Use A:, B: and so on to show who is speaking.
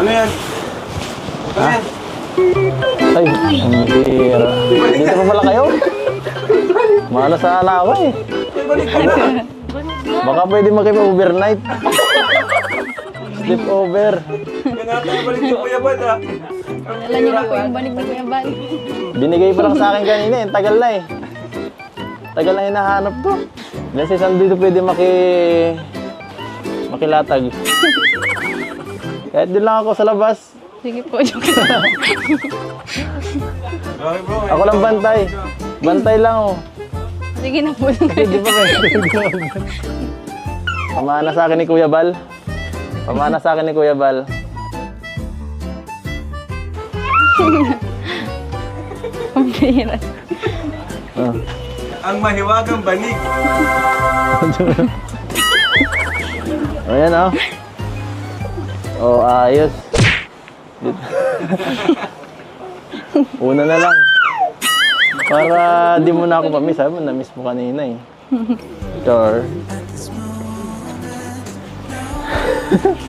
A: Ano yan? Ano yan?
B: Ay, ang bira. Dito pa pala kayo? Malas sana ako eh.
A: Balik ka na.
B: Baka pwede makipa-overnight. Sleep over.
A: Ganatan na balik ni Kuya Bad ha.
C: Dala niyo na po yung banig ni Kuya Bal.
B: Binigay pa lang sa akin kanina eh. Tagal na eh. Tagal na hinahanap to. Diyan si Sam dito pwede makilatag. Kahit din lang ako sa labas.
C: Sige po, joke lang.
A: Okay bro.
B: Ako lang bantay. Bantay lang oh.
C: Sige na po.
B: Kasi di ba pamana sa akin ni Kuya Bal. Pamana sa akin ni Kuya Bal.
C: Ang bira.
B: Oh.
A: Ang mahiwagang banig.
B: Ayan oh. Oh, ayos. Una na lang. Para di mo na ako pa-miss. Sabi mo, na-miss mo kanina eh. Sure.